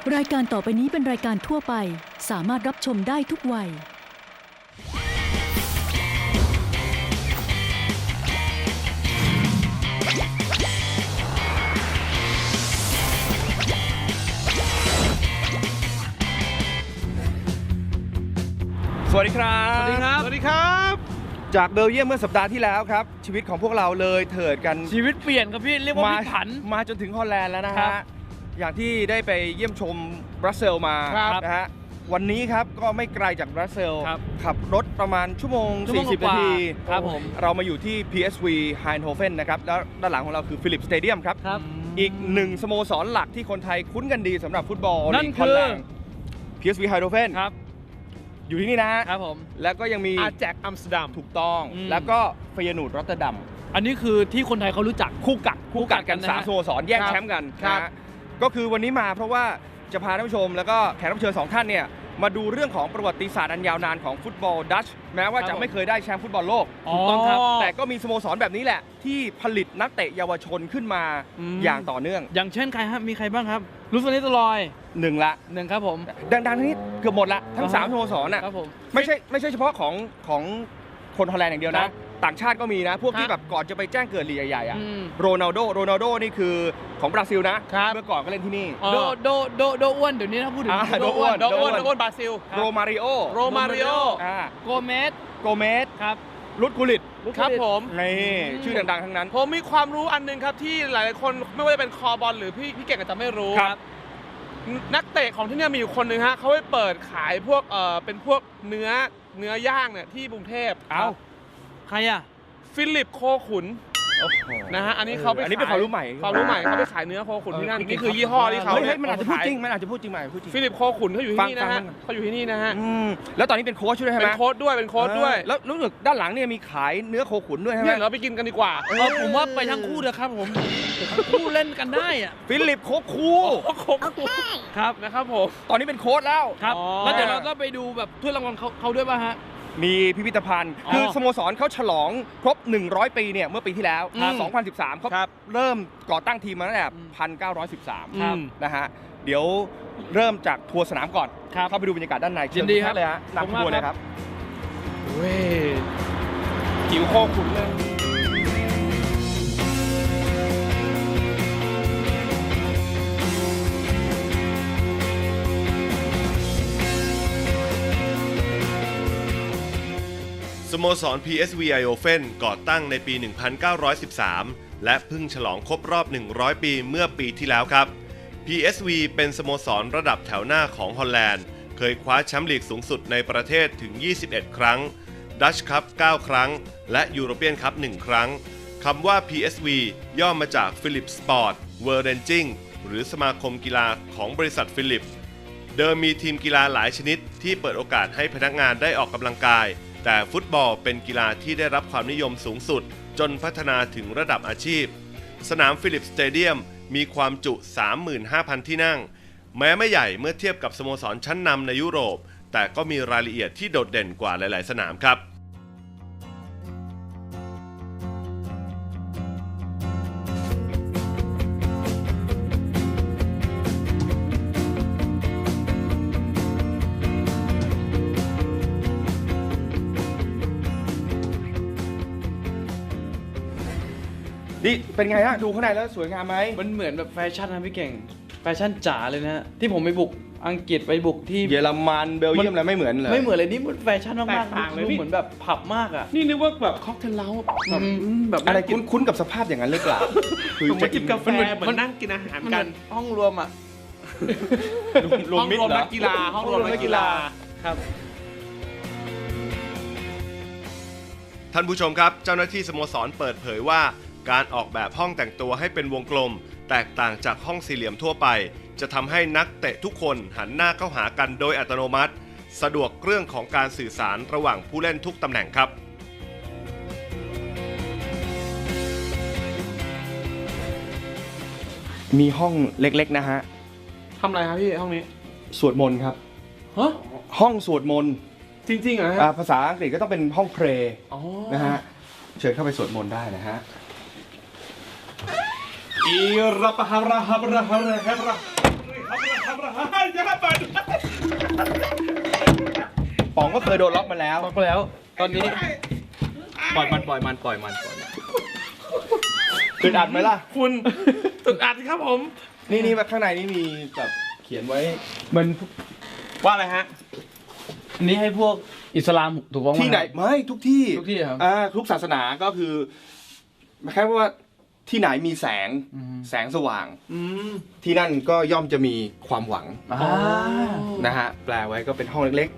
รายการต่อไปนี้เป็นรายการทั่วไปสามารถรับชมได้ทุกวัยสวัสดีครับสวัสดีครับสวัสดีครับ จากเบลเยียมเมื่อสัปดาห์ที่แล้วครับชีวิตของพวกเราเลยเถิดกันชีวิตเปลี่ยนครับพี่เรียกว่าพลิกผันมาจนถึงฮอลแลนด์แล้วนะครัฮะบอย่างที่ได้ไปเยี่ยมชมบรัสเซลมาครับนะฮะวันนี้ครับก็ไม่ไกลจากบรัสเซลครับขับรถประมาณชั่วโมง 40 กนาว่าทีครับผมเรามาอยู่ที่ PSV Eindhoven นะครับแล้วด้านหลังของเราคือฟิลิปสเตเดียมครับครับอีกหนึ่งสโมสรหลักที่คนไทยคุ้นกันดีสำหรับฟุตบอลนั่นลีกคือฮอลแลนด์ PSV Eindhoven ครับอยู่ที่นี่นะฮะครับผมแล้วก็ยังมีอาแจกอัมสเตอร์ดัมถูกต้องอืมแล้วก็เฟยนูดรอตเตอร์ดัมอันนี้คือที่คนไทยเขารู้จักคู่กัดคู่กัดกันนะฮะ 3 สโมสรแย่งครับแชมป์กันครับนะฮะก็คือวันนี้มาเพราะว่าจะพาท่านผู้ชมแล้วก็แขกรับเชิญ2ท่านเนี่ยมาดูเรื่องของประวัติศาสตร์อันยาวนานของฟุตบอลดัชแม้ว่าจะไม่เคยได้แชมป์ฟุตบอลโลกถูกต้องครับแต่ก็มีสโมสรแบบนี้แหละ ที่ผลิตนักเตะเยาวชนขึ้นมาอืมอย่างต่อเนื่องอย่างเช่นใครครับมีใครบ้างครับลูฟานิสลอยหนึ่งละหนึ่งครับผมดังๆนี้เกือบหมดละทั้งอ่าฮะ 3 สโมสรน่ะครับผมไม่ใช่เฉพาะของคนฮอลแลนด์อย่างเดียวครันะบต่างชาติก็มีนะ พวกที่ฮะแบบก่อนจะไปแจ้งเกิดลีกใหญ่ๆอ่ะอืมโรนัลโดนี่คือของบราซิลนะครับ เมื่อก่อนก็เล่นที่นี่โดอ้วนเดี๋ยวนี้ถ้าพูดถึงอ่าโดอ้วนบราซิลโรมาริโอโรมาริโอโกเมสโกเมสครับลุดกุลิตครับผมนี่ชื่อดังๆทั้งนั้นผมมีความรู้อันหนึงครับที่หลายๆคนไม่ว่าจะเป็นคอบอลหรือพี่เก่งอาจจะไม่รู้ครับนักเตะของที่เนี่ยมีอยู่คนหนึ่งฮะเขาไปเปิดขายพวกเป็นพวกเนื้อย่างเนี่ยที่กรุงเทพเอ้าใครอ่ะฟิลิปโคขุนโอ้โหนะฮะอันนี้เขาไปอันนี้เป็นความรู้ใหม่ความรู้ใหม่เขาไปขายเนื้อโคขุนที่นั่นนี่คือยี่ห้อที่เขาเฮ้ยมันอาจจะพูดขายจริงมันอาจจะพูดจริงใหม่พูดจริงฟิลิปโคขุนเขาอยู่ที่นี่นะฮะฟังเขาอยู่ที่นี่นะฮะแล้วตอนนี้เป็นโค้ชด้วยใช่ไหเป็มนโค้ดด้วยเป็นโค้ดด้วยแล้วรู้สึกด้านหลังเนี่ยมีขายเนื้อโคขุนด้วยใช่ไหมเนี่ยเราไปกินกันดีกว่าผมว่าไปทั้งคู่เถอะครับผมทั้งคู่เล่นกันได้อ่ะฟิลิปโคคูครับนะครับผมตอนนี้เป็นโค้ชแล้วครับอ๋อแล้วเดี๋ยวเราก็ไปดูแบบถ้วยรางวัลเขาด้วยป่ะฮะมีพิพิธภัณฑ์อ๋อคือสโมสรเขาฉลองครบ 100 ปีเนี่ยเมื่อปีที่แล้วครับ 2013เขาครับเริ่มก่อตั้งทีมมาตั้งแต่ 1913 ครับนะฮะเดี๋ยวเริ่มจากทัวร์สนามก่อนครับเข้าไปดูบรรยากาศด้านในยินดีครับเชิญทุกท่านเลยฮะขอบคุณนำทัวร์มากเลยครับเว้ยหิวโคขุนเลยสโมสร PSV Eindhoven ก่อตั้งในปี 1913 และเพิ่งฉลองครบรอบ 100 ปีเมื่อปีที่แล้วครับ PSV เป็นสโมสรระดับแถวหน้าของฮอลแลนด์ เคยคว้าแชมป์ลีกสูงสุดในประเทศถึง 21 ครั้ง ดัชคัพ 9 ครั้ง และยูโรเปียนคัพ 1 ครั้ง คำว่า PSV ย่อมาจาก Philips Sport Vereniging หรือสมาคมกีฬาของบริษัทฟิลิป เดิมมีทีมกีฬาหลายชนิดที่เปิดโอกาสให้พนักงานได้ออกกำลังกาย แต่ฟุตบอลเป็นกีฬาที่ได้รับความนิยมสูงสุดจนพัฒนาถึงระดับอาชีพ สนามฟิลิปสเตเดียมมีความจุ 35,000 ที่นั่ง แม้ไม่ใหญ่เมื่อเทียบกับสโมสรชั้นนำในยุโรป แต่ก็มีรายละเอียดที่โดดเด่นกว่าหลาย ๆ สนามครับนี่เป็นไงฮะ ดูข้างในแล้วสวยงามไหมมันเหมือนแบบแฟชั่นนะพี่เก่ง แฟชั่นจ๋าเลยนะฮะที่ผมไปบุกอังกฤษไปบุกที่เยอรมันเบลเยียมอะไรไม่เหมือนเลยไม่เหมือนเลยนี่มันแฟชั่นมากแตกต่างๆเลยดูพี่เหมือนแบบผับมากอ่ะนี่นึกว่าแบบค็อกเทลเล้าแบบแบบอะไรคุ้นกับสภาพอย่างนั้นหรือเปล่าเหมือนจิบกาแฟเหมือนนั่งกินอาหารมันกันห้องรวมอ่ะรวมมิตรเหรอนักกีฬาห้องรวมนักกีฬาครับท่านผู้ชมครับ เจ้าหน้าที่สโมสรเปิดเผยว่า การออกแบบห้องแต่งตัวให้เป็นวงกลม แตกต่างจากห้องสี่เหลี่ยมทั่วไป จะทำให้นักเตะทุกคนหันหน้าเข้าหากันโดยอัตโนมัติ สะดวกเรื่องของการสื่อสารระหว่างผู้เล่นทุกตำแหน่งครับมีห้องเล็กๆนะฮะทำอะไรครับพี่ห้องนี้สวดมนต์ครับฮะห้องสวดมนต์จริงๆเหรอฮะภาษาอังกฤษก็ต้องเป็นห้องเพลย์อ๋อนะฮะ เชิญเข้าไปสวดมนต์ได้นะฮะ อีรับฮาระฮาระฮาระฮาระป๋องก็เคยโดนล็อกมาแล้วบอกไปแล้ว ตอนนี้ปล่อยมันอึดอัดไหมล่ะคุณตึกอัดครับผมนี่มาข้างในนี่มีแบบเขียนไว้มันว่าอะไรฮะอันนี้ให้พวกอิสลามถูกต้องที่ไหนไม่ทุกที่ทุกที่ครับทุกศาสนาก็คือแค่ว่าที่ไหนมีแสงอืมแสงสว่างอืมที่นั่นก็ย่อมจะมีความหวังอ่านะฮะแปลไว้ก็เป็นห้องเล็กๆ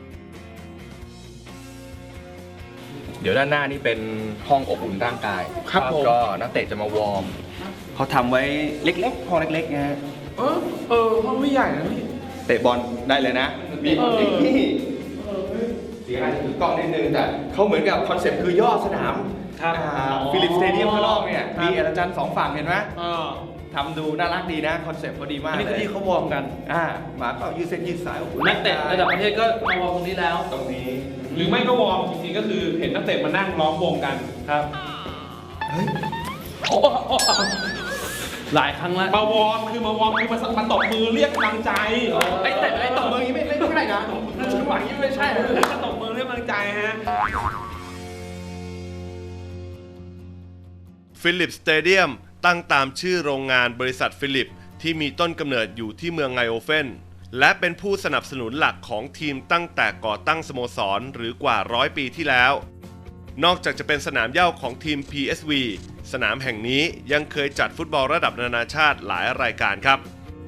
เดี๋ยวด้านหน้านี่เป็นห้องอบอุ่นร่างกายครับผมก็นักเตะจะมาวอร์มเขาทำไว้เล็กๆห้องเล็กๆนะฮะห้องไม่ใหญ่นะพี่เตะบอลได้เลยนะมีนี่เสียงอาจจะถือกล้องนิดนึงแต่เขาเหมือนกับคอนเซ็ปต์คือย่อสนามครับฟิลิปสเตเดียมข้างนอกเนี่ยครับมีอาจารย์สองฝั่งเห็นไหมเออทำดูน่ารักดีนะคอนเซ็ปต์เขาดีมากอันนี้คือที่เขาวอร์มกันหมาก็ยืดเส้นยืดสายโอ้โหนักเตะระดับประเทศก็มาวอร์มตรงนี้แล้วตรงนี้หรือไม่ก็วอร์มจริงๆก็คือเห็นนักเตะมานั่งล้อมวงกันครับเฮ้ยหลายครั้งแล้วมาวอร์มคือมาตบมือเรียกกำลังใจไอ้ตบมืออย่างนี้ไม่ใช่นะจังหวะนี้ไม่ใช่นะมาตบมือเรียกกำลังใจฮะฟิลิปสเตเดียมตั้งตามชื่อโรงงานบริษัทฟิลิปที่มีต้นกำเนิดอยู่ที่เมืองไงโอเฟนและเป็นผู้สนับสนุนหลักของทีมตั้งแต่ก่อตั้งสโมสรหรือกว่า100 ปีที่แล้ว นอกจากจะเป็นสนามเหย้าของทีม PSV สนามแห่งนี้ยังเคยจัดฟุตบอลระดับนานาชาติหลายรายการครับ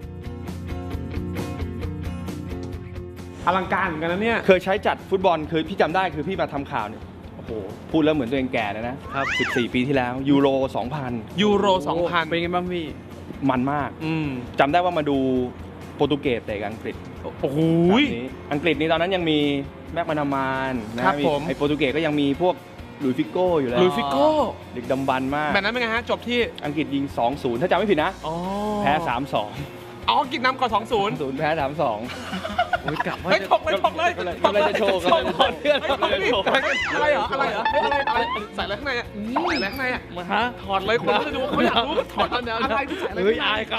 อลังการเหมือนกันนะเนี่ยเคยใช้จัดฟุตบอลคือพี่จำได้คือพี่มาทำข่าวเนี่ยโอ้โหพูดแล้วเหมือนตัวเองแก่เลยนะครับ14 ปีที่แล้วยูโร 2000 ยูโร 2000 เป็นไงบ้างพี่มันมากอืมจำได้ว่ามาดูโปรตุเกสเตะกับอังกฤษโอ้โหแบบนี้อังกฤษนี่ตอนนั้นยังมีแม็กมานามานนะครับผมไอโปรตุเกสก็ยังมีพวกหลุยส์ฟิโก้อยู่แล้วลุยฟิโก้ดึกดำบรรพ์มากแบบนั้นเป็นไงฮะ จบที่อังกฤษยิง 2-0 ถ้าจำไม่ผิดนะอ๋อแพ้ 3-2 อ๋อกินน้ำก่อน 2-0 0แพ้ 3-2 โอ้ยกลับว่าเฮ้ยจะถกเลยถกเลยกำลังจะโชว์ถกกำลังจะโชว์เฮ้ยถกเลยอะไรเหรออะไรเหรอเฮ้ยอะไรใส่อะไรข้างในอ่ะใส่อะไรข้างในอ่ะมาฮะถอดเลยคนจะดูเขาอยากรู้ว่าถอดอะไรที่ใส่อะไรเฮ้ยข้างในอายเขา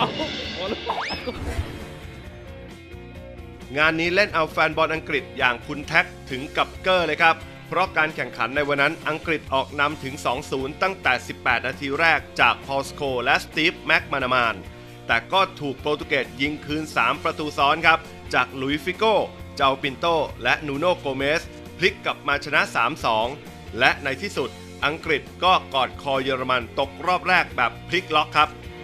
งานนี้เล่นเอาแฟนบอลอังกฤษอย่างคุณแท็กถึงกับเกอร์เลยครับ เพราะการแข่งขันในวันนั้นอังกฤษออกนำถึง 2-0 ตั้งแต่ 18 นาทีแรกจากพอลสโคและสตีฟแม็กมานามาน แต่ก็ถูกโปรตุเกสยิงคืน 3 ประตูซ้อนครับ จากลุยฟิโก้ เจ้าปินโต และนูโน่โกเมส พลิกกลับมาชนะ 3-2 และในที่สุดอังกฤษก็กอดคอเยอรมันตกรอบแรกแบบพลิกล็อกครับ